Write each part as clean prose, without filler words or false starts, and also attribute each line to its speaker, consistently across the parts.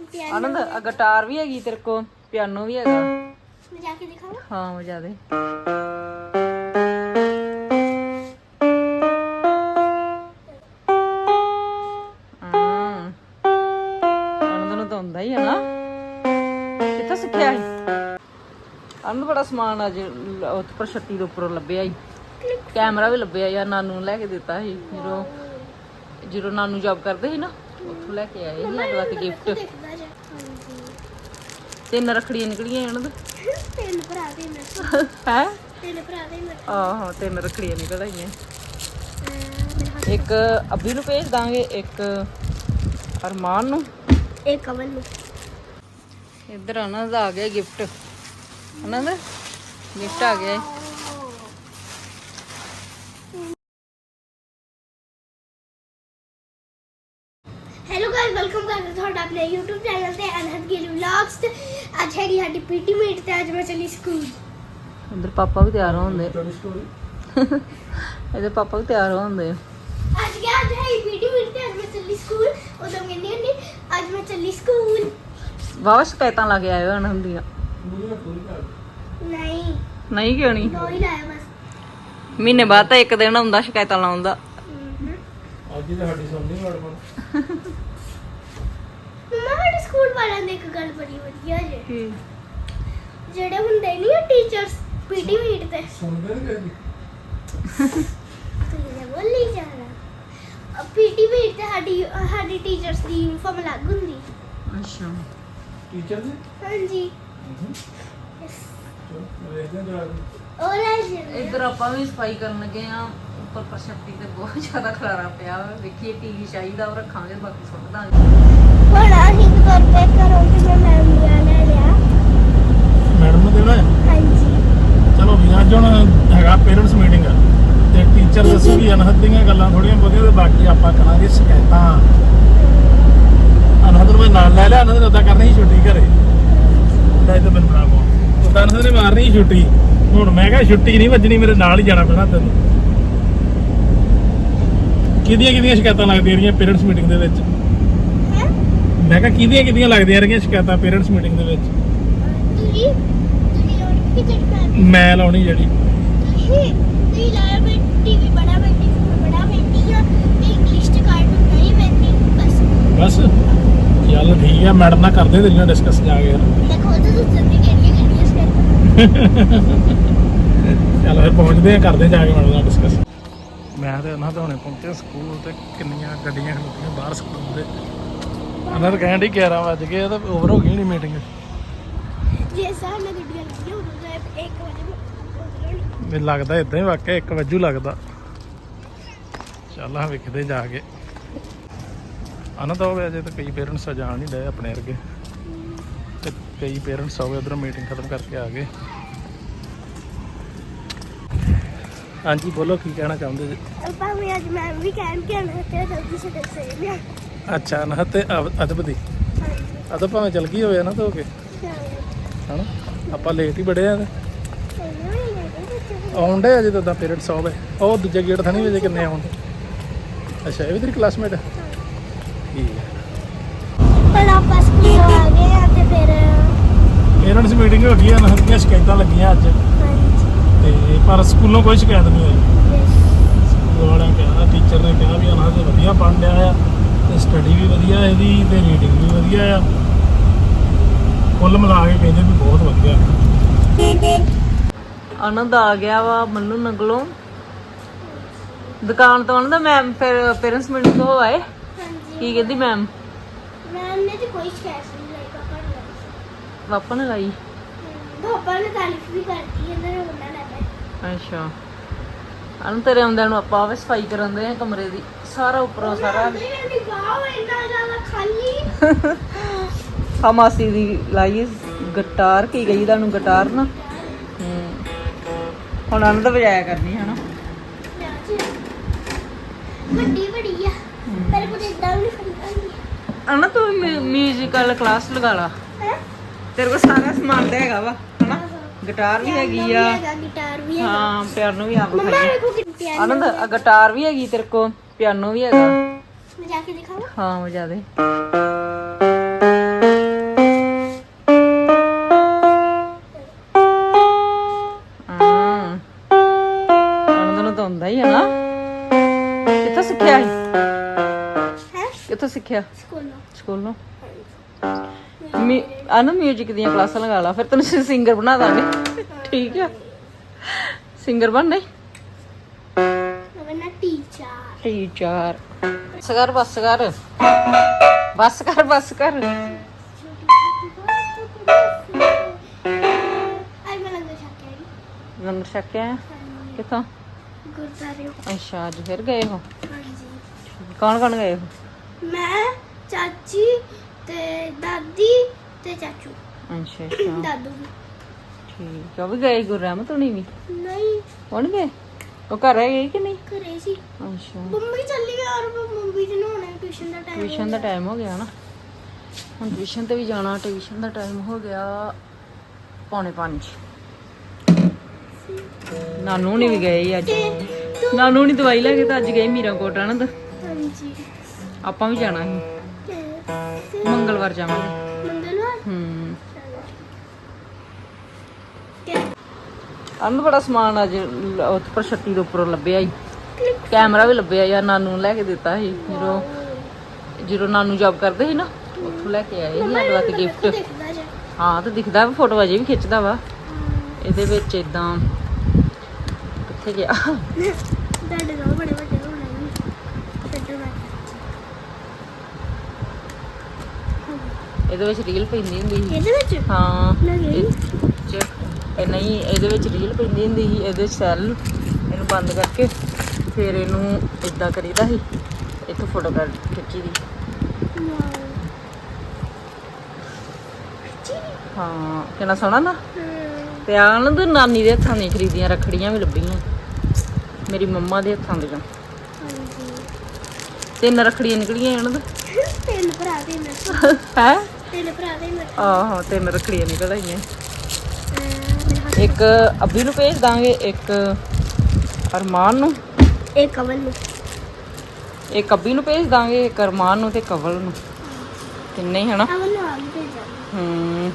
Speaker 1: आनंद guitar भी हैगी तेरे को, पियानो भी हैगा।
Speaker 2: मैं जाके दिखाऊं?
Speaker 1: हाँ बजा दे। आनंद ਨੂੰ ਤਾਂ ਹੁੰਦਾ ਹੀ ਹੈ ਨਾ। ਕਿੱਥੋਂ ਸਿੱਖਿਆ ਸੀ? ਆਨੰਦ ਬੜਾ ਸਮਾਨ ਅੱਜ ਉੱਪਰ ਛੱਤੀ ਦੇ ਉੱਪਰੋਂ ਲੱਭਿਆ ਸੀ। ਕੈਮਰਾ ਵੀ ਲੱਭਿਆ ਯਾਰ, ਨਾਨੂ ਨੂੰ ਲੈ ਕੇ ਦਿੱਤਾ ਸੀ ਜਦੋਂ ਨਾਨੂ ਜੌਬ ਕਰਦੇ ਸੀ ਨਾ, ਉੱਥੋਂ ਲੈ ਕੇ ਆਏ ਸੀ ਸਾਡੇ ਵਾਸਤੇ ਗਿਫਟ। ਤਿੰਨ ਰੱਖੜੀਆਂ ਨਿਕਲੀਆਂ ਇਹਨਾਂ ਦੇ।
Speaker 2: ਤਿੰਨ ਭਰਾ ਦੇ
Speaker 1: ਹੈ
Speaker 2: ਤਿੰਨ ਭਰਾ ਦੇ
Speaker 1: ਆਹੋ, ਤਿੰਨ ਰੱਖੜੀਆਂ ਨਿਕਲ ਆਈਆਂ। ਇੱਕ ਅੱਬੀ ਨੂੰ ਭੇਜ ਦਾਂਗੇ, ਇੱਕ ਅਰਮਾਨ ਨੂੰ,
Speaker 2: ਇੱਕ ਅਮਨ ਨੂੰ।
Speaker 1: ਇੱਧਰ ਆਨੰਦ ਆ ਗਿਆ ਗਿਫਟ। ਆਨੰਦ ਗਿਫਟ ਆ ਗਿਆ।
Speaker 2: हेलो गाइस, वेलकम करते ਤੁਹਾਡਾ ਆਪਣੇ YouTube ਚੈਨਲ ਤੇ ਅਨਹਦ ਗਿੱਲ ਵਲੌਗਸ ਤੇ ਅੱਜ ਹੈਗੀ ਸਾਡੀ ਪੀਟੀ ਮੀਟ ਤੇ ਅੱਜ ਮੈਂ ਚੱਲੀ ਸਕੂਲ।
Speaker 1: ਇੱਧਰ ਪਾਪਾ ਵੀ ਤਿਆਰ ਹੋਉਂਦੇ। ਇਹਦੇ ਪਾਪਾ ਵੀ ਤਿਆਰ ਹੋਉਂਦੇ।
Speaker 2: ਅੱਜ ਹੈ ਪੀਟੀ ਮੀਟ ਤੇ ਅੱਜ ਮੈਂ ਚੱਲੀ ਸਕੂਲ। ਉਦੋਂ ਕਹਿੰਦੀ ਹੁੰਦੀ ਅੱਜ ਮੈਂ ਚੱਲੀ ਸਕੂਲ।
Speaker 1: ਵਾਹ ਸ਼ਿਕਾਇਤਾਂ ਲੱਗ ਆਏ ਹਨ ਹੁੰਦੀਆਂ।
Speaker 2: ਨਹੀਂ
Speaker 1: ਨਹੀਂ ਕਿਉਂ ਨਹੀਂ?
Speaker 2: ਦੋ ਹੀ ਲਾਇਆ ਬਸ।
Speaker 1: ਮਹੀਨੇ ਬਾਅਦ ਤਾਂ ਇੱਕ ਦਿਨ ਹੁੰਦਾ ਸ਼ਿਕਾਇਤਾਂ ਲਾਉਣ ਦਾ।
Speaker 3: ਅੱਜ ਹੀ ਸਾਡੀ ਸੁਣਨੀ ਮੈਡਮ।
Speaker 2: ਮੰਮਾ ਸਾਡੇ ਸਕੂਲ ਵਾਲਿਆਂ ਦੀ ਇੱਕ ਗੱਲ ਬੜੀ ਵਧੀਆ ਜੇ,
Speaker 1: ਕੀ?
Speaker 2: ਜਿਹੜੇ ਹੁੰਦੇ ਨਹੀਂ ਆ ਟੀਚਰਸ ਪੀਟੀ ਮੀਟ ਤੇ,
Speaker 3: ਸੁਣਦੇ ਨਹੀਂ ਕਦੀ।
Speaker 2: ਤੁਸੀਂ ਬੋਲੀ ਜਾਣਾ। ਪੀਟੀ ਮੀਟ ਤੇ ਸਾਡੀ ਟੀਚਰਸ ਦੀ ਯੂਨੀਫਾਰਮ ਅਲੱਗ ਹੁੰਦੀ।
Speaker 1: ਅੱਛਾ
Speaker 3: ਟੀਚਰ ਨੇ
Speaker 2: ਹਾਂਜੀ
Speaker 3: ਚਲੋ ਵੇਖਦੇ ਜਾ ਕੇ।
Speaker 2: ਉਹ ਲੈ ਜੀ
Speaker 1: ਇੱਧਰ ਆਪਾਂ ਵੀ ਸਫਾਈ ਕਰਨ ਲੱਗੇ ਆ। ਉੱਪਰ ਪ੍ਰਸ਼ਪਤੀ ਤੇ ਬਹੁਤ ਜ਼ਿਆਦਾ ਖਲਾਰਾ ਪਿਆ ਵਾ। ਵੇਖੀਏ ਟੀਵੀ ਚਾਹੀਦਾ ਉਹ ਰੱਖਾਂਗੇ, ਬਾਕੀ ਸੁੱਟ ਦਾਂਗੇ।
Speaker 2: ਹੁਣ ਅਸੀਂ ਤੁਰ ਪਏ ਘਰੋਂ ਤੇ ਮੈਂ ਮੈਮ ਨੂੰ ਲੈ ਲਿਆ।
Speaker 3: ਮੈਡਮ ਨੂੰ ਦੇਣਾ ਹੈ?
Speaker 2: ਹਾਂਜੀ
Speaker 3: ਚਲੋ ਵੀ ਅੱਜ ਹੁਣ ਹੈਗਾ ਪੇਰੈਂਟਸ ਮੀਟਿੰਗ ਤੇ ਟੀਚਰ ਦੱਸੂਗੀ ਅਨਹਦ ਦੀਆਂ ਗੱਲਾਂ ਥੋੜੀਆਂ ਬਹੁਤੀਆਂ ਤੇ ਬਾਕੀ ਆਪਾਂ ਕਰਾਂਗੇ ਸ਼ਿਕਾਇਤਾਂ। ਅਨਹਦ ਨੂੰ ਮੈਂ ਨਾਲ ਲੈ ਲਿਆ। ਅਨਹਦ ਨੇ ਉਦਾਂ ਕਰਨੀ ਸੀ ਛੁੱਟੀ ਘਰੇ। ਲੈ ਤਾਂ ਮੈਨੂੰ ਬਣਾ ਕੋ ਉਦਾਂ ਅਨਹਦ ਨੇ ਮਾਰਨੀ ਸੀ ਛੁੱਟੀ। ਹੁਣ ਮੈਂ ਕਿਹਾ ਛੁੱਟੀ ਨਹੀਂ ਵੱਜਣੀ, ਮੇਰੇ ਨਾਲ ਹੀ ਜਾਣਾ ਪੈਣਾ ਤੈਨੂੰ। ਕਿਹਦੀਆਂ ਸ਼ਿਕਾਇਤਾਂ ਲੱਗਦੀਆਂ ਰਹੀਆਂ ਪੇਰੈਂਟਸ ਮੀਟਿੰਗ ਦੇ ਵਿੱਚ? ਮੈਂ ਕਿਹਾ ਕਿਹਦੀਆਂ ਲੱਗਦੀਆਂ ਰਹੀਆਂ ਸ਼ਿਕਾਇਤਾਂ ਪੇਰੈਂਟਸ ਮੀਟਿੰਗ ਦੇ ਵਿੱਚ?
Speaker 2: ਤੁਸੀਂ ਲਾਉਣੀ ਕਿ ਜਿਹੜੀ
Speaker 3: ਮੈਂ ਲਾਉਣੀ ਜਿਹੜੀ
Speaker 2: ਤੁਸੀਂ ਲਾਇਆ ਮੈਂ ਟੀਵੀ ਬੜਾ ਬੈਠੀ, ਫੋਨ ਬੜਾ ਬੈਠੀ ਆ ਤੇ ਇੰਗਲਿਸ਼ ਚ ਕਾਰਟੂਨ ਨਹੀਂ ਬੈਠੀ ਬਸ।
Speaker 3: ਚੱਲ ਠੀਕ ਆ, ਮੈਡਮ ਨਾਲ ਕਰਦੇ ਤੇਰੀਆਂ ਡਿਸਕਸ ਜਾ ਕੇ।
Speaker 2: ਮੈਂ ਖੁਦ ਦੱਸਣ ਦੀ ਕਿਹੜੀਆਂ ਸਟੈਪ।
Speaker 3: ਚੱਲ ਫਿਰ ਪਹੁੰਚਦੇ ਆ, ਕਰਦੇ ਜਾ ਕੇ ਮੈਡਮ ਨਾਲ ਡਿਸਕਸ। ਮੈਂ ਤੇ ਉਹਨਾਂ ਦੇ ਹੁਣੇ ਪਹੁੰਚੇ ਸਕੂਲ ਤੇ ਕਿੰਨੀਆਂ ਗੱਡੀਆਂ ਖਲੋਤੀਆਂ ਬਾਹਰ ਸਕੂਲ ਦੇ। ਉਹਨਾਂ ਤਾਂ ਕਹਿਣ ਡਈ 11 ਵਜ ਗਏ ਤਾਂ ਓਵਰ ਹੋ ਗਈ ਨਹੀਂ ਮੀਟਿੰਗ।
Speaker 2: ਜੇ ਸਾਹ ਨਾਲ ਗੱਡੀਆਂ ਲੱਗੀਆਂ ਉਦੋਂ ਦਾ 1 ਵਜੇ
Speaker 3: ਮੈਨੂੰ ਲੱਗਦਾ ਇਦਾਂ ਹੀ ਵਾਕਿਆ 1 ਵਜੇ ਲੱਗਦਾ। ਚੱਲ ਆ ਵੇਖਦੇ ਜਾ ਕੇ। ਆਨੰਦ ਹੋਵੇ ਅਜੇ ਤਾਂ ਕਈ ਪੇਰੈਂਟਸ ਜਾਣ ਨਹੀਂ ਡਏ ਆਪਣੇ ਵਰਗੇ, ਤੇ ਕਈ ਪੇਰੈਂਟਸ ਹੋਵੇ ਉਧਰੋਂ ਮੀਟਿੰਗ ਖਤਮ ਕਰਕੇ ਆ ਗਏ। ਹਾਂਜੀ ਬੋਲੋ, ਕੀ ਕਹਿਣਾ ਚਾਹੁੰਦੇ ਜੀ?
Speaker 2: ਭਾਵੇਂ ਅੱਜ ਮੈਂ ਵੀ ਕਹਿਣ ਕਿ ਆਣਾ ਤੇ ਜਲਦੀ ਸੇ ਦੱਸੇ ਲਿਆ।
Speaker 3: ਅੱਛਾ ਅਨਹਦ ਤੇ ਅਦਬ ਦੀ ਅਦਬ ਭਾਵੇਂ ਚਲ ਗਈ ਹੋਵੇ ਨਾ ਧੋ ਕੇ, ਹਨਾ ਆਪਾਂ ਲੇਟ ਹੀ ਬੜੇ ਆ। ਆਉਂਦੇ ਅਜੇ ਤਾਂ ਪੇਰੈਂਟਸ ਆਵੇ। ਉਹ ਦੂਜੇ ਗੇਟ ਥਾਣੀ ਵਜੇ ਕਿੰਨੇ ਆਉਂਦੇ? ਅੱਛਾ ਇਹ ਵੀ ਤੇਰੀ ਕਲਾਸਮੇਟ ਹੈ? ਠੀਕ ਹੈ।
Speaker 2: ਪਰ ਆਪਾਂ ਸਕੂਲ ਆ ਗਏ ਆ ਤੇ ਫਿਰ
Speaker 3: ਪੇਰੈਂਟਸ ਮੀਟਿੰਗ ਹੋ ਗਈ। ਅਨਹਦ ਦੀਆਂ ਸ਼ਿਕਾਇਤਾਂ ਲੱਗੀਆਂ ਅੱਜ ਤੇ ਪਰ ਸਕੂਲੋਂ ਕੋਈ ਸ਼ਿਕਾਇਤ ਨਹੀਂ ਆਈ। ਸਕੂਲ ਵਾਲਿਆਂ ਕਿਹਾ, ਟੀਚਰ ਨੇ ਕਿਹਾ ਵੀ ਅਨਹਦ ਵਧੀਆ ਪੜ੍ਹ ਰਿਹਾ ਆ ਤੇ ਸਟੱਡੀ ਵੀ ਵਧੀਆ ਇਹਦੀ ਤੇ ਰੀਡਿੰਗ ਵੀ ਵਧੀਆ ਆ। ਕੁੱਲ ਮਿਲਾ ਕੇ ਕਹਿੰਦੇ ਵੀ ਬਹੁਤ ਵਧੀਆ।
Speaker 1: ਆਨੰਦ ਆ ਗਿਆ ਵਾ ਮੰਨੂ ਨਗਲੋਂ ਦੁਕਾਨ ਤੋਂ। ਆਨੰਦ ਮੈਮ ਫਿਰ ਪੇਰੈਂਟਸ ਮੀਟਿੰਗ ਤੋਂ ਆਏ, ਕੀ ਕਹਿੰਦੀ ਮੈਮ?
Speaker 2: ਮੈਮ ਨੇ ਤੇ ਕੋਈ ਸ਼ਿਕਾਇਤ ਨਹੀਂ ਲਾਈ
Speaker 1: ਪਾਪਾ ਨੇ ਲਾਈ?
Speaker 2: ਪਾਪਾ ਨੇ ਤਾਰੀਫ ਵੀ ਕਰਤੀ ਇਹਨਾਂ ਨੇ ਉਹਨਾਂ ਨੇ।
Speaker 1: ਅੱਛਾ ਆਨੰਦ ਤੇਰੇ ਆਉਂਦਿਆਂ ਨੂੰ ਆਪਾਂ ਆਵੇ ਸਫਾਈ ਕਰਨ ਦੇ ਆ ਕਮਰੇ ਦੀ, ਸਾਰਾ ਉੱਪਰੋਂ ਸਾਰਾ।
Speaker 2: ਵਾਓ ਇੰਨਾ ਜ਼ਿਆਦਾ ਖਾਲੀ।
Speaker 1: ਆ ਮਾਸੀ ਦੀ ਲਾਈ ਗਿਟਾਰ, ਕੀ ਗਈ ਤੁਹਾਨੂੰ ਗਿਟਾਰ ਨਾ। ਹੁਣ ਆਨੰਦ ਵਜਾਇਆ ਕਰਨੀ ਹੈ ਨਾ।
Speaker 2: ਵੱਡੀ ਬੜੀ ਆ ਪਰ ਕੁਝ ਇਦਾਂ ਵੀ ਨਹੀਂ।
Speaker 1: ਆਨੰਦ ਤੂੰ ਮਿਊਜ਼ੀਕਲ ਕਲਾਸ ਲਗਾ ਲਾ, ਤੇਰੇ ਕੋਲ ਸਾਰਾ ਸਮਾਨ ਤਾਂ ਹੈਗਾ ਵਾ ਹਨਾ। ਗਿਟਾਰ ਵੀ ਹੈਗੀ ਆ,
Speaker 2: ਗਿਟਾਰ ਵੀ ਹੈਗਾ,
Speaker 1: ਹਾਂ ਪਿਆਨੋ ਵੀ ਆਪ
Speaker 2: ਮੰਮਾ
Speaker 1: ਖਾਈ।
Speaker 2: ਵੇਖੋ ਕਿੰਨੀ ਪਿਆਰੀ।
Speaker 1: ਆਨੰਦ ਗਿਟਾਰ ਵੀ ਹੈਗੀ ਤੇਰੇ ਕੋਲ, ਪਿਆਨੋ ਵੀ ਹੈਗਾ।
Speaker 2: ਮੈਂ ਜਾ ਕੇ ਦਿਖਾਵਾਂ?
Speaker 1: ਹਾਂ ਵਜਾ ਦੇ। ਸਿੱਖਿਆ
Speaker 2: ਸਕੂਲੋਂ
Speaker 1: ਸਕੂਲੋਂ ਆਨੂੰ ਮਿਊਜ਼ਿਕ ਦੀਆਂ ਕਲਾਸਾਂ ਲਗਾ ਲਾ ਫਿਰ ਤੈਨੂੰ ਸਿੰਗਰ ਬਣਾ ਦਾਂਗੇ ਠੀਕ ਆ ਸਿੰਗਰ ਬਣਨਾ ਈ
Speaker 2: ਮੈਂ ਟੀਚਰ
Speaker 1: ਟੀਚਰ ਬੱਸ ਕਰ ਬੱਸ ਕਰ ਬੱਸ ਕਰ
Speaker 2: ਆਈ ਮੈਂ ਲੰਗਰ ਛਕ ਕੇ ਆਈ
Speaker 1: ਲੰਗਰ ਛਕ ਕੇ ਆਇਆ ਕਿੱਥੋਂ
Speaker 2: ਗੁਰਦਾਰੇ
Speaker 1: ਅੱਛਾ ਅੱਜ ਫਿਰ ਗਏ ਹੋ
Speaker 2: ਹਾਂਜੀ
Speaker 1: ਕੌਣ ਕੌਣ ਗਏ ਹੋ
Speaker 2: ਮੈਂ ਚਾਚੀ ਤੇ ਦਾਦੀ ਤੇ ਚਾਚੂ
Speaker 1: ਅੱਛਾ ਅੱਛਾ
Speaker 2: ਦਾਦੂ ਵੀ
Speaker 1: ਠੀਕ ਆ ਉਹ ਵੀ ਗਏ ਗੁਰਰਹਿਮਤ ਹੋਣੀ ਵੀ
Speaker 2: ਨਹੀਂ
Speaker 1: ਕੌਣ ਗਏ ਉਹ ਘਰ ਹੈ ਗਏ ਕਿ ਨਹੀਂ
Speaker 2: ਘਰੇ ਸੀ
Speaker 1: ਅੱਛਾ
Speaker 2: ਮੰਮੀ ਚੱਲੀ ਗਈ ਔਰ ਮੰਮੀ ਜੀ ਨੂੰ ਹੁਣੇ ਟਿਊਸ਼ਨ ਦਾ ਟਾਈਮ
Speaker 1: ਟਿਊਸ਼ਨ ਦਾ ਟਾਈਮ ਹੋ ਗਿਆ ਨਾ ਹੁਣ ਟਿਊਸ਼ਨ ਤੇ ਵੀ ਜਾਣਾ ਟਿਊਸ਼ਨ ਦਾ ਟਾਈਮ ਹੋ ਗਿਆ 4:45 ਨਾਨੂ ਨਹੀਂ ਵੀ ਗਏ ਅੱਜ ਨਾਨੂ ਨਹੀਂ ਦਵਾਈ ਲੈ ਕੇ ਤਾਂ ਅੱਜ ਗਏ ਮੀਰਾਕੋਟ ਆਨੰਦ
Speaker 2: ਹਾਂਜੀ
Speaker 1: ਆਪਾਂ ਵੀ ਜਾਣਾ ਸੀ ਮੰਗਲਵਾਰ ਜਾਵਾਂਗੇ
Speaker 2: ਮੰਗਲਵਾਰ
Speaker 1: ਅਨੰਦ ਬੜਾ ਸਮਾਨ ਅੱਜ ਉੱਪਰ ਛੱਤੀ ਦੇ ਉੱਪਰੋਂ ਲੱਭਿਆ ਹੀ ਕੈਮਰਾ ਵੀ ਲੱਭਿਆ ਯਾਰ ਨਾਨੂ ਨੂੰ ਲੈ ਕੇ ਦਿੱਤਾ ਸੀ ਜਦੋਂ ਨਾਨੂ ਜੌਬ ਕਰਦੇ ਸੀ ਨਾ ਉੱਥੋਂ ਲੈ ਕੇ ਆਏ ਸੀ ਸਾਡੇ ਵਾਸਤੇ ਗਿਫਟ
Speaker 2: ਦੇਖਦਾ ਜਾ
Speaker 1: ਹਾਂ ਤੇ ਦਿਖਦਾ ਵਾ ਫੋਟੋ ਅਜੇ ਵੀ ਖਿੱਚਦਾ ਵਾ ਇਹਦੇ ਵਿੱਚ ਇਦਾਂ ਕਿੱਥੇ ਗਿਆ
Speaker 2: ਡੱਡੇ ਦਾ ਬੜੇ ਵੱਡੇ ਹੋਣੇ ਨੇ ਛੱਡੋ ਮੈਂ
Speaker 1: ਇਹਦੇ ਵਿੱਚ ਰੀਲ ਪੈਂਦੀ ਹੁੰਦੀ ਸੀ
Speaker 2: ਇਹਦੇ ਵਿੱਚ
Speaker 1: ਹਾਂ
Speaker 2: ਲੱਗੇ
Speaker 1: ਨਹੀਂ ਇਹਦੇ ਵਿੱਚ ਰੀਲ ਪੈਂਦੀ ਹੁੰਦੀ ਸੀ ਇਹਦੇ ਵਿੱਚ ਸੈੱਲ ਇਹਨੂੰ ਬੰਦ ਕਰਕੇ ਫਿਰ ਇਹਨੂੰ ਇਦਾਂ ਕਰੀਦਾ ਸੀ ਇੱਥੋਂ ਫੋਟੋ ਖਿੱਚੀ ਦੀ ਹਾਂ ਕਿੰਨਾ ਸੋਹਣਾ ਨਾ ਤੇ ਆਣ ਤੇ ਨਾਨੀ ਦੇ ਹੱਥਾਂ ਦੀਆਂ ਖਰੀਦੀਆਂ ਰੱਖੜੀਆਂ ਵੀ ਲੱਭੀਆਂ ਮੇਰੀ ਮੰਮਾ ਦੇ ਹੱਥਾਂ ਦੀਆਂ ਤਿੰਨ ਰੱਖੜੀਆਂ ਨਿਕਲੀਆਂ ਇਹਨਾਂ ਦੇ
Speaker 2: ਤਿੰਨ ਭਰਾ ਦੇ ਨੇ
Speaker 1: ਹੈ
Speaker 2: ਤਿੰਨ ਭਰਾ ਦੇ ਨੇ
Speaker 1: ਆਹੋ ਤਿੰਨ ਰੱਖੜੀਆਂ ਨਿਕਲ ਆਈਆਂ ਇੱਕ ਅੱਬੀ ਨੂੰ ਭੇਜ ਦਾਂਗੇ ਇੱਕ ਅਰਮਾਨ ਨੂੰ
Speaker 2: ਇੱਕ ਕਵਲ ਨੂੰ
Speaker 1: ਇੱਕ ਅੱਬੀ ਨੂੰ ਭੇਜ ਦਾਂਗੇ ਇੱਕ ਅਰਮਾਨ ਨੂੰ ਤੇ ਕਵਲ ਨੂੰ ਤਿੰਨੇ ਹੀ ਹਨਾ
Speaker 2: ਅਵਲ ਨੂੰ ਆਗੇ ਭੇਜਾਂਗੇ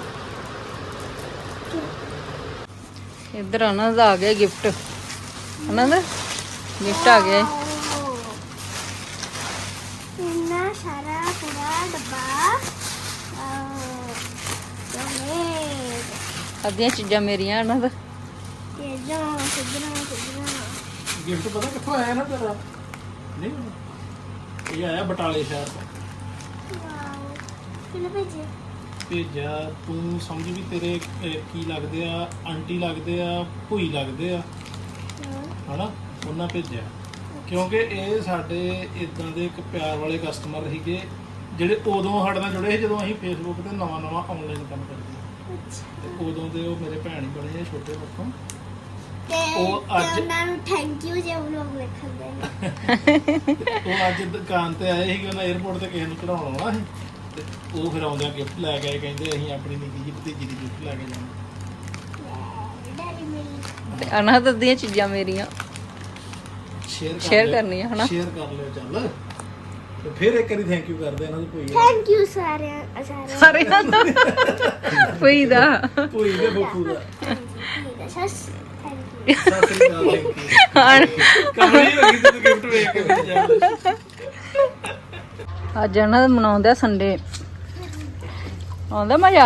Speaker 1: ਇੱਧਰ ਆਨੰਦ ਆ ਗਿਆ ਗਿਫਟ ਆਨੰਦ ਗਿਫਟ ਆ ਗਿਆ
Speaker 2: ਇੰਨਾ ਸਾਰਾ ਪੂਰਾ ਡੱਬਾ
Speaker 1: ਅੱਧੀਆਂ ਚੀਜ਼ਾਂ ਮੇਰੀਆਂ ਆਨੰਦ
Speaker 2: ਇਹ ਜਾਂ ਸਿੱਧਣਾ
Speaker 3: ਗਿਫਟ ਪਤਾ ਕਿੱਥੋਂ ਆਇਆ ਨਾ ਤੇਰਾ ਨਹੀਂ ਇਹ ਆਇਆ ਬਟਾਲੇ ਸ਼ਹਿਰ ਤੋਂ
Speaker 2: ਵਾਓ ਕਿਹਨੇ ਭੇਜਿਆ
Speaker 3: ਭੇਜਿਆ ਤੂੰ ਸਮਝ ਵੀ ਤੇਰੇ ਕੀ ਲੱਗਦੇ ਆ ਆਂਟੀ ਲੱਗਦੇ ਆ ਭੂਈ ਲੱਗਦੇ ਆ ਹਨਾ ਉਹਨਾਂ ਭੇਜਿਆ ਕਿਉਂਕਿ ਇਹ ਸਾਡੇ ਇਦਾਂ ਦੇ ਇੱਕ ਪਿਆਰ ਵਾਲੇ ਕਸਟਮਰ ਸੀਗੇ ਜਿਹੜੇ ਉਦੋਂ ਸਾਡੇ ਨਾਲ ਜੁੜੇ ਸੀ ਜਦੋਂ ਅਸੀਂ ਫੇਸਬੁੱਕ ਤੇ ਨਵਾਂ ਆਨਲਾਈਨ ਕੰਮ ਕਰਦੇ ਤੇ ਉਦੋਂ ਦੇ ਉਹ ਮੇਰੇ ਭੈਣ ਹੀ ਬਣੇ ਆ ਛੋਟੇ ਬੱਚੋਂ
Speaker 2: ਉਹ ਅੱਜ ਉਹਨਾਂ ਨੂੰ ਥੈਂਕ ਯੂ ਜੇ ਵਲੌਗ ਵੇਖਣ ਦੇ
Speaker 3: ਉਹ ਅੱਜ ਦੁਕਾਨ ਤੇ ਆਏ ਸੀ ਉਹਨਾਂ 에어ਪੋਰਟ ਤੇ ਕਿਸੇ ਨੂੰ ਚੜਾਉਣ ਆਉਣਾ ਸੀ ਤੇ ਉਹ ਫਿਰ ਆਉਂਦਿਆਂ ਗਿਫਟ ਲੈ ਕੇ ਆਏ ਕਹਿੰਦੇ ਅਸੀਂ ਆਪਣੀ ਨਿੱਕੀ ਜਿਹੀ ਭਤੀਜੀ ਦੀ ਗਿਫਟ ਲੈ ਕੇ ਜਾਣਾ
Speaker 2: ਡੈਡੀ ਮੇਰੀ
Speaker 1: ਤੇ ਆਨੰਦ ਦੀਆਂ ਚੀਜ਼ਾਂ ਮੇਰੀਆਂ ਸ਼ੇਅਰ
Speaker 3: ਲਿਓ,
Speaker 1: ਕਰਨੀਆਂ ਹਨਾ
Speaker 3: ਸ਼ੇਅਰ ਕਰ ਲਿਓ ਚੱਲ ਤੇ ਫਿਰ ਇੱਕ ਵਾਰੀ ਥੈਂਕ ਯੂ ਕਰਦੇ ਇਹਨਾਂ ਨੂੰ ਭੂਈ
Speaker 2: ਥੈਂਕ ਯੂ ਸਾਰਿਆਂ ਸਾਰਿਆਂ
Speaker 1: ਕੋਈ ਦਾ
Speaker 3: ਭੂਈ ਦੇ ਬੱਕੂ ਦਾ
Speaker 2: ਸਸ ਥੈਂਕ ਯੂ
Speaker 3: ਸਤਿ ਸ੍ਰੀ ਅਕਾਲ ਕਮਲੀ ਹੋ ਗਈ ਤੂੰ ਗਿਫਟ ਵੇਖ ਕੇ ਫਿਰ ਜਾ
Speaker 1: ਅੱਜ ਇਹਨਾਂ ਦਾ ਮਨਾਉਂਦੇ ਆ ਸੰਡੇ ਆਉਂਦਾ ਮਜ਼ਾ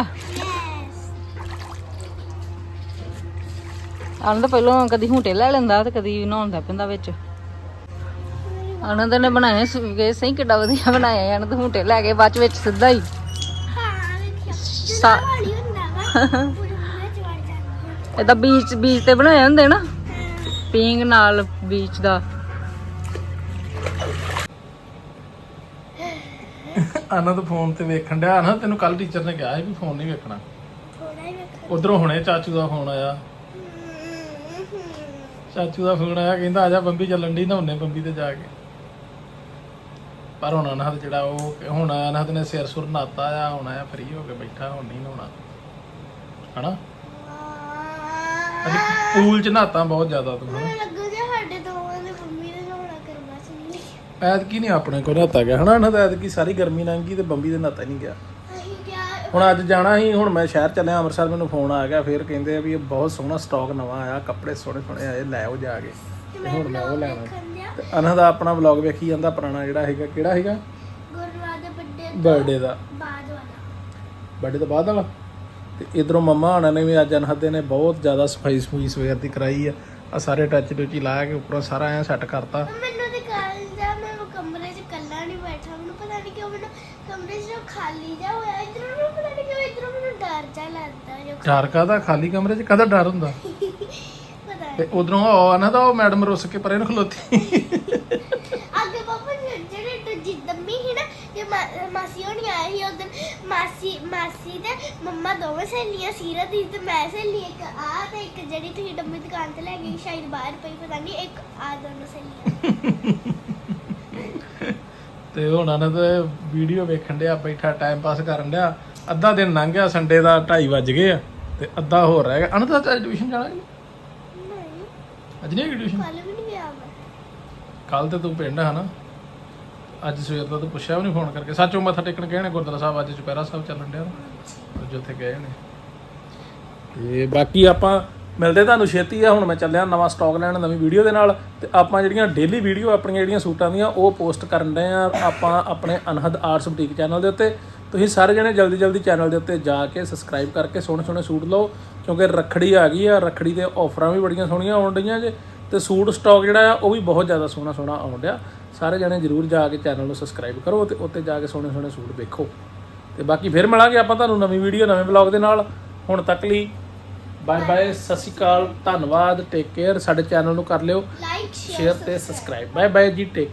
Speaker 1: ਆਨੰਦ ਪਹਿਲਾਂ ਕਦੀ ਹੁੰਟੇ ਲੈ ਲੈਂਦਾ ਤੇ ਕਦੀ ਨਹਾਉਂਦਾ ਪੈਂਦਾ ਵਿੱਚ ਆਨੰਦ ਨੇ ਬਣਾਏ ਸੀਗੇ ਸਹੀ ਕਿੱਡਾ ਵਧੀਆ ਬਣਾਇਆ ਆਨੰਦ ਹੁੰਟੇ ਲੈ ਕੇ ਬਾਅਦ ਵਿੱਚ ਸਿੱਧਾ ਹੀ
Speaker 2: ਹਾਂ ਵੇਖਿਆ ਵਾਲੀ ਹੁੰਦਾ ਵਾ ਪੂਰੇ ਵਿੱਚ ਵੜ ਜਾਂਦਾ
Speaker 1: ਇਹਦਾ ਬੀਚ ਤੇ ਬਣਾਏ ਹੁੰਦੇ ਨਾ ਪੀਂਗ ਨਾਲ ਬੀਚ ਦਾ
Speaker 3: ਆਨੰਦ ਫੋਨ ਤੇ ਵੇਖਣ ਡਿਆ ਨਾ ਤੈਨੂੰ ਕੱਲ ਟੀਚਰ ਨੇ ਕਿਹਾ ਸੀ ਵੀ ਫੋਨ ਨਹੀਂ ਵੇਖਣਾ
Speaker 2: ਥੋੜਾ ਹੀ ਵੇਖ
Speaker 3: ਉਧਰੋਂ ਹੁਣੇ ਚਾਚੂ ਦਾ ਫੋਨ ਆਇਆ ਚਾਚੂ ਦਾ ਫੋਨ ਆਇਆ ਕਹਿੰਦਾ ਆ ਜਾ ਬੰਬੀ ਚੱਲਣ ਦੀ ਨਹਾਉਣੇ ਬੰਬੀ ਤੇ ਜਾ ਕੇ ਪਰ ਹੁਣ ਅਨਹਦ ਜਿਹੜਾ ਉਹ ਹੁਣ ਅਨਹਦ ਨੇ ਸਿਰ ਸੁਰ ਨਾਤਾ ਆ ਹੁਣ ਆਇਆ ਫਰੀ ਹੋ ਕੇ ਬੈਠਾ ਹੁਣ ਨਹੀਂ ਨਹਾਉਣਾ ਹਨਾ ਅੱਜ ਪੂਲ ਚ ਨਹਾਤਾ ਬਹੁਤ ਜ਼ਿਆਦਾ ਤੂੰ ਹਨਾ
Speaker 2: ਲੱਗੂ ਕਿ ਸਾਡੇ ਦੋਵਾਂ ਦੇ ਮੰਮੀ ਨੇ ਨਹਾਉਣਾ ਕਰਵਾ ਸੀ
Speaker 3: ਐਤਕੀ ਨਹੀਂ ਆਪਣੇ ਕੋਲ ਨਹਾਤਾ ਗਿਆ ਹਨਾ ਅਨਹਦ ਐਤਕੀ ਸਾਰੀ ਗਰਮੀ ਲੰਘ ਗਈ ਤੇ ਬੰਬੀ ਦੇ ਨਹਾਤਾ ਨਹੀਂ ਗਿਆ
Speaker 2: ਅਸੀਂ ਕਿਹਾ
Speaker 3: ਹੁਣ ਅੱਜ ਜਾਣਾ ਸੀ ਹੁਣ ਮੈਂ ਸ਼ਹਿਰ ਚੱਲਿਆ ਅੰਮ੍ਰਿਤਸਰ ਮੈਨੂੰ ਫੋਨ ਆ ਗਿਆ ਫਿਰ ਕਹਿੰਦੇ ਆ ਵੀ ਇਹ ਬਹੁਤ ਸੋਹਣਾ ਸਟਾਕ ਨਵਾਂ ਆਇਆ ਕੱਪੜੇ ਸੋਹਣੇ ਸੋਹਣੇ ਆਏ ਲੈ ਆਓ ਜਾ ਕੇ ਤੇ ਹੁਣ ਮੈਂ ਉਹ ਲੈਣਾ ਤੇ ਅਨਹਦ ਆਪਣਾ ਵਲੌਗ ਵੇਖੀ ਜਾਂਦਾ ਪੁਰਾਣਾ ਜਿਹੜਾ ਹੈਗਾ ਕਿਹੜਾ ਹੈਗਾ
Speaker 2: ਗੁਰਦੁਆਰਾ ਦੇ
Speaker 3: ਬਰਥਡੇ ਦਾ
Speaker 2: ਬਾਅਦ ਵਾਲਾ
Speaker 3: ਬਰਥਡੇ ਤੋਂ ਬਾਅਦ ਵਾਲਾ। ਤੇ ਇਧਰੋਂ ਮੰਮਾ ਹੋਣਾ ਨੇ ਵੀ ਅੱਜ ਅਨਹਦ ਦੇ ਨੇ ਬਹੁਤ ਜ਼ਿਆਦਾ ਸਫਾਈ ਸਫੂਈ ਸਵੇਰ ਦੀ ਕਰਾਈ ਆ ਸਾਰੇ ਟੱਚ ਟੁੱਚੀ ਲਾ ਕੇ ਉੱਪਰੋਂ ਸਾਰਾ ਐ ਸੈੱਟ ਕਰਤਾ।
Speaker 2: ਮੈਨੂੰ ਤੇ ਕੱਲ ਦਾ ਮੈਂ ਕਮਰੇ 'ਚ ਇਕੱਲਾ ਨਹੀਂ ਬੈਠਾ, ਮੈਨੂੰ ਪਤਾ ਨਹੀਂ ਕਿਉਂ ਮੈਨੂੰ ਕਮਰੇ 'ਚ ਖਾਲੀ ਜਾ ਹੋਇਆ, ਇਧਰੋਂ ਨੂੰ ਪਤਾ ਨਹੀਂ ਕਿਉਂ ਇਧਰੋਂ ਮੈਨੂੰ ਡਰ ਜਾ ਲੱਗਦਾ ਜੋ
Speaker 3: ਡਰ ਕਾਹਦਾ, ਖਾਲੀ ਕਮਰੇ 'ਚ ਕਾਹਦਾ ਡਰ ਹੁੰਦਾ।
Speaker 2: ਪਤਾ
Speaker 3: ਤੇ ਉਧਰੋਂ ਅਨਹਦ ਉਹ ਮੈਡਮ ਰੁੱਸ ਕੇ ਪਰੇ ਨੂੰ ਖਲੋਤੀ।
Speaker 2: ਅੱਗੇ ਪਾਪਾ ਜਿਹੜੇ ਦੂਜੀ ਦੰਮੀ ਸੀ ਨਾ, ਜੇ ਮਾਸੀ ਹੋਣੀ ਆਏ ਸੀ ਉਦੋਂ, ਮਾਸੀ ਤੇ ਮੰਮਾ ਦੋਵੇਂ ਸਹੇਲੀਆਂ, ਸੀਰਤ ਦੀ ਤੇ ਮੈਂ ਸਹੇਲੀ, ਇੱਕ ਆ ਤੇ ਇੱਕ ਜਿਹੜੀ ਤੁਸੀਂ ਡੰਮੀ ਦੁਕਾਨ ਤੇ ਲੈ ਗਈ ਸ਼ਾਇਦ ਬਾਹਰ ਪਈ, ਪਤਾ ਨਹੀਂ, ਇੱਕ ਆ ਦੋਨੋਂ ਸਹੇਲੀਆਂ।
Speaker 3: ਤੇ ਹੁਣ ਅਨਹਦ ਵੀਡੀਓ ਵੇਖਣ ਡਿਆ ਬੈਠਾ ਟਾਈਮ ਪਾਸ ਕਰਨ ਡਿਆ। ਅੱਧਾ ਦਿਨ ਲੰਘ ਗਿਆ, ਸੰਡੇ ਦਾ 2:30 ਵੱਜ ਗਏ ਆ ਤੇ ਅੱਧਾ ਹੋਰ ਰਹਿ ਗਿਆ। ਅਨਹਦ ਅੱਜ ਟਿਊਸ਼ਨ ਜਾਣਾ ਕਿ
Speaker 2: ਨਹੀਂ,
Speaker 3: ਅੱਜ ਨਹੀਂ ਹੈਗੀ ਟਿਊਸ਼ਨ?
Speaker 2: ਕੱਲ ਵੀ ਨਹੀਂ ਗਿਆ ਮੈਂ।
Speaker 3: ਕੱਲ ਤੇ ਤੂੰ ਪਿੰਡ ਹੈ ਨਾ, ਅੱਜ ਸਵੇਰ ਦਾ ਤੂੰ ਪੁੱਛਿਆ ਵੀ ਨਹੀਂ ਫੋਨ ਕਰਕੇ। ਸੱਚੋਂ ਮੱਥਾ ਟੇਕਣ ਗਏ ਨੇ ਗੁਰਦੁਆਰਾ ਸਾਹਿਬ, ਅੱਜ ਚੁਪਹਿਰਾ ਸਾਹਿਬ ਚੱਲਣ ਡਿਆ ਅੱਜ ਉੱਥੇ ਗਏ ਨੇ। ਤੇ ਬਾਕੀ ਆਪਾਂ ਮਿਲਦੇ ਤੁਹਾਨੂੰ ਛੇਤੀ ਆ। ਹੁਣ ਮੈਂ ਚੱਲਿਆ ਨਵਾਂ ਸਟਾਕ ਲੈਣ ਨਵੀਂ ਵੀਡੀਓ ਦੇ ਨਾਲ। ਤੇ ਆਪਾਂ ਜਿਹੜੀਆਂ ਡੇਲੀ ਵੀਡੀਓ ਆਪਣੀਆਂ ਜਿਹੜੀਆਂ ਸੂਟਾਂ ਦੀਆਂ ਉਹ ਪੋਸਟ ਕਰਨ ਡਏ ਆ ਆਪਾਂ ਆਪਣੇ ਅਨਹਦ ਆਰਟਸ ਬੁਟੀਕ ਚੈਨਲ ਦੇ ਉੱਤੇ। ਤੁਸੀਂ ਸਾਰੇ ਜਣੇ ਜਲਦੀ ਜਲਦੀ ਚੈਨਲ ਦੇ ਉੱਤੇ ਜਾ ਕੇ ਸਬਸਕ੍ਰਾਈਬ ਕਰਕੇ ਸੋਹਣੇ ਸੋਹਣੇ ਸੂਟ ਲਓ, ਕਿਉਂਕਿ ਰੱਖੜੀ ਆ ਗਈ ਆ। ਰੱਖੜੀ ਦੇ ਆਫਰਾਂ ਵੀ ਬੜੀਆਂ ਸੋਹਣੀਆਂ ਆਉਣ ਡਈਆਂ ਜੇ, ਤੇ ਸੂਟ ਸਟਾਕ ਜਿਹੜਾ ਆ ਉਹ ਵੀ ਬਹੁਤ ਜ਼ਿਆਦਾ ਸੋਹਣਾ ਸੋਹਣਾ ਆਉਣ ਡਿਆ। ਸਾਰੇ ਜਣੇ ਜ਼ਰੂਰ ਜਾ ਕੇ ਚੈਨਲ ਨੂੰ ਸਬਸਕ੍ਰਾਈਬ ਕਰੋ ਤੇ ਉੱਤੇ ਜਾ ਕੇ ਸੋਹਣੇ ਸੋਹਣੇ ਸੂਟ ਵੇਖੋ। ਤੇ ਬਾਕੀ ਫਿਰ ਮਿਲਾਂਗੇ ਆਪਾਂ ਤੁਹਾਨੂੰ ਨਵੀਂ ਵੀਡੀਓ ਨਵੇਂ ਵਲੌਗ ਦੇ ਨਾਲ। ਹੁਣ ਤੱਕ ਲਈ ਬਾਏ ਬਾਏ, ਸਤਿ ਸ਼੍ਰੀ ਅਕਾਲ, ਧੰਨਵਾਦ, ਟੇਕ ਕੇਅਰ। ਸਾਡੇ ਚੈਨਲ ਨੂੰ ਕਰ ਲਿਓ
Speaker 2: ਲਾਈਕ
Speaker 3: ਸ਼ੇਅਰ ਤੇ ਸਬਸਕ੍ਰਾਈਬ। ਬਾਏ ਬਾਏ ਜੀ, ਟੇਕ